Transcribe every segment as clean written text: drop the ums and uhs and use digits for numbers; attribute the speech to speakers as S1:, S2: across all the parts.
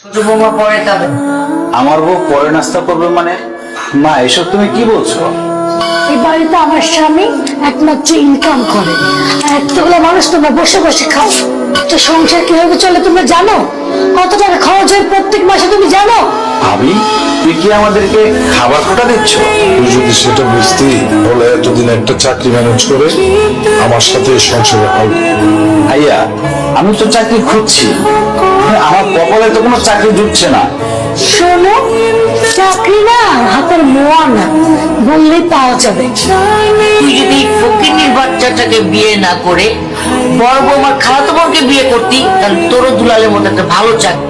S1: ছোট বৌমা পরে খাবে।
S2: আমার বউ পরে নাস্তা করবে মানে? মা এসব তুমি কি বলছো?
S3: এই বাড়িতে আমার স্বামী একমাত্র ইনকাম করে, আর এতগুলো মানুষ তোমরা বসে বসে খাও। তো সংসার কিভাবে চলে তোমরা জানো? কত টাকা খরচ হয় প্রত্যেক মাসে তুমি জানো?
S2: ভাবি, তুই কি আমাদেরকে খাবার খোটা দিচ্ছ?
S4: তুই যদি সেটা বুঝতি তাহলে এতদিন একটা চাকরি ম্যানেজ করে আমার সাথে সংসারে হাল।
S2: ভাইয়া, আমি তো চাকরি খুঁজছি, আমার কপালে তো কোনো চাকরি জুটছে না।
S3: শোনো, চাকরি না হাতের মোয়া না, বললেই পাওয়া যাবে।
S1: তুই যদি ফকিনীর বাচ্চাটাকে বিয়ে না করে বড় বৌমার খালাতো বোনকে বিয়ে করতি, তাহলে তোরও দুলালের মতো একটা ভালো চাকরি।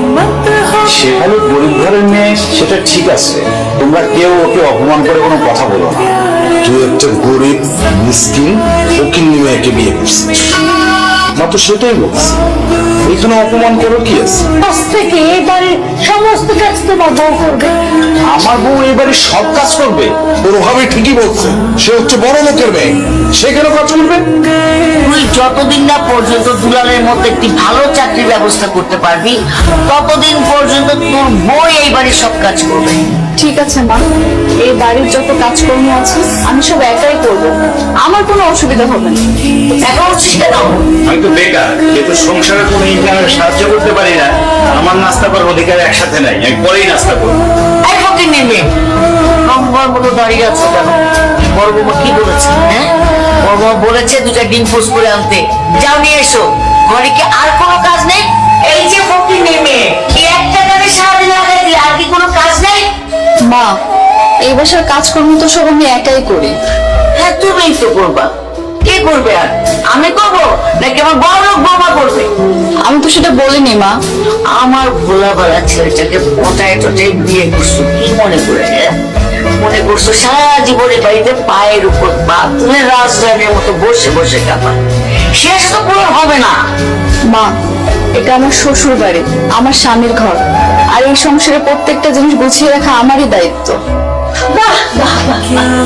S2: সেখানে গরিব ঘরের মেয়ে, সেটা ঠিক আছে, তোমরা কেউ ওকে অপমান করে কোনো কথা বলো না।
S4: তুই একটা গরিব মিসকিন ফকিন্নি মেয়েকে বিয়ে করছিস, মাত্র সেটাই বলছি। এখানে অপমান করো কি আছে?
S3: আজ থেকে এই বাড়ির সমস্ত কাজ তোমার বউ করবে।
S2: আমার বউ এবারে সব কাজ করবে?
S4: ওর ভাবে ঠিকই বলছে, সে হচ্ছে বড় লোকের মেয়ে, সে কেন কাজ করবে?
S1: তুই যতদিন না পর্যন্ত দুলালের মতো একটি ভালো চাকরির ব্যবস্থা করতে পারবি, ততদিন পর্যন্ত তোর বউ এই বাড়ির সব কাজ করবে।
S5: ঠিক আছে মা, এই বাড়ির যত কাজকর্ম আছে আমি সব একাই করব, আমার কোনো অসুবিধা হবে না।
S1: এখন হচ্ছিস কেন?
S2: আমি তো বেকার, যেহেতু সংসারে কোনো ইনকামে সাহায্য করতে পারি না, আমার নাস্তা করার অধিকার একসাথে নাই, আমি পরেই নাস্তা করবো।
S1: এই ফকিনীর মেয়ে, নম্বর মতো দাঁড়িয়ে আছো কেন? বড় বৌমা কি বলেছে? হ্যাঁ, বড় বৌমা বলেছে দুটা ডিম পোস করে আনতে, যাও নিয়ে এসো। ঘরে কি আর কোনো কাজ নেই? এই যে ফকিনীর মেয়ে, কি একটা কাজে সারাদিন লাগাই দিলে, আর কি কোনো কাজ নেই?
S5: মা, এই বাসার কাজকর্ম তো সব আমি একাই করি।
S1: হ্যাঁ, তুমিই তো করবা। কে করবে আর? আমি করবো নাকি আমার বড় লোক বৌমা করবে?
S5: আমি তো সেটা বলিনি মা।
S1: আমার ভোলা ভালা ছেলেটাকে পটায় টটায় বিয়ে করছো, কি মনে করে? মনে করছো সারা জীবনে বাড়িতে পায়ের উপর পা তুলে রাজরানীর মতো বসে বসে কাঁপা? শেষ তো পূরণ হবে না।
S5: মা, এটা আমার শ্বশুর বাড়ি, আমার স্বামীর ঘর, আর এই সংসারে প্রত্যেকটা জিনিস গুছিয়ে রাখা আমারই দায়িত্ব।
S3: বাহ বাহ বাহ,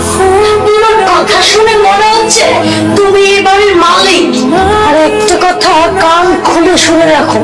S3: তোমার কথা শুনে মনে হচ্ছে তুমি এই বাড়ির মালিক। আর একটা কথা কান খুলে শুনে রাখো,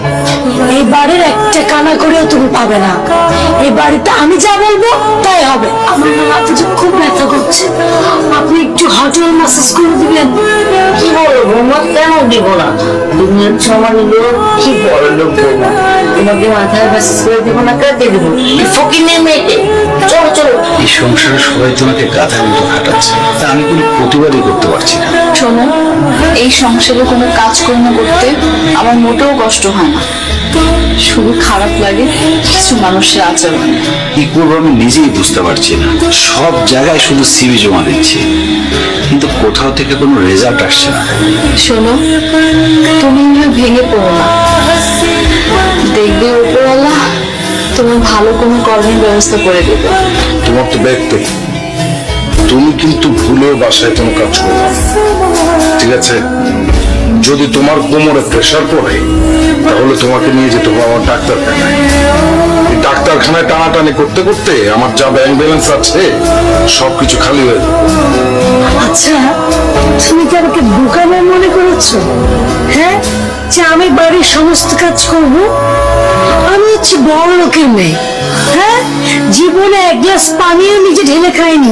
S3: এই বাড়ির একটা কানা করেও তুমি পাবে না। এই বাড়িতে আমি যা বলবো তাই হবে। আমার না মাথা যে খুব ব্যথা করছে, আপনি একটু হটেল ম্যাসাজ করে দিবেন?
S1: কি বলো বৌমা, কেন দিব না? তুমি হচ্ছে আমার লোক, কি বড় লোক বৌমা, তোমাকে মাথায় ম্যাসেজ করে দিব না? কাকে দেবো? ফকিনের মেয়েকে। চলো চলো।
S2: এই সংসারে সবাই তোমাকে গাধার মতো খাটাচ্ছে, তা আমি কোনো প্রতিবাদই করতে পারছি না।
S5: শোনো, এই সংসারে কোনো কাজকর্ম করতে আমার মোটেও কষ্ট হয় না, শুধু খারাপ লাগে কিছু মানুষের আচরণ।
S2: কি করবো আমি নিজেই বুঝতে পারছি না। সব জায়গায় শুধু সিভি জমা দিচ্ছি, কিন্তু কোথাও থেকে কোনো রেজাল্ট আসছে না।
S5: শোনো, তুমি এভাবে ভেঙে পড়ো না, দেখবে উপরওয়ালা তোমার ভালো কোনো কর্মের ব্যবস্থা করে দেবে।
S4: তোমার তো দেখতে, তুমি কিন্তু ভুলেও বাসায় কোনো কাজ করো না, ঠিক আছে? যদি তোমার কোমরে প্রেশার পড়ে তাহলে তোমাকে নিয়ে যেতে হবে আমার ডাক্তারখানায়। এই ডাক্তারখানায় টানাটানি করতে করতে আমার যা ব্যাংক ব্যালেন্স আছে সবকিছু খালি হয়ে যাবে।
S3: আচ্ছা, তুমি কি আমাকে বোকামো মনে করেছো? হ্যাঁ, যে আমি বাড়ির সমস্ত কাজ করব? আমি হচ্ছে বড় লোকের মেয়ে। হ্যাঁ, জীবনে এক গ্লাস পানিও নিজে ঢেলে খাইনি।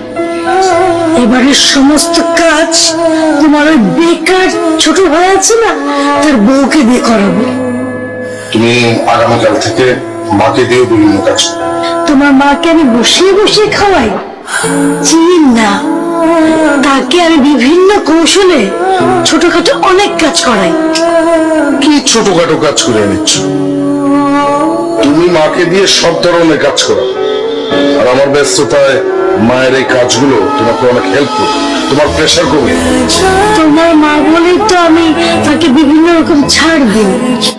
S3: এবারের সমস্ত কাজ তোমার ওই বেকার ছোট ভাই আছে না, তার বউকে দিয়ে করাবো।
S4: তুমি আগামীকাল থেকে মাকে দিয়ে বিভিন্ন কাজ করো।
S3: তোমার মাকে আমি বসিয়ে বসিয়ে খাওয়াই? চিনি না, তাকে আমি বিভিন্ন কৌশলে ছোটখাটো অনেক কাজ করাই।
S4: কি ছোটখাটো কাজ করে নিচ্ছ? তুমি মাকে দিয়ে সব ধরনের কাজ করো, আর আমার ব্যস্ততায় মায়ের এই কাজগুলো তোমাকে অনেক হেল্প করবে, তোমার প্রেশার কমে।
S3: তোমার মা বলেই তো আমি তাকে বিভিন্ন রকম ছাড় দিই।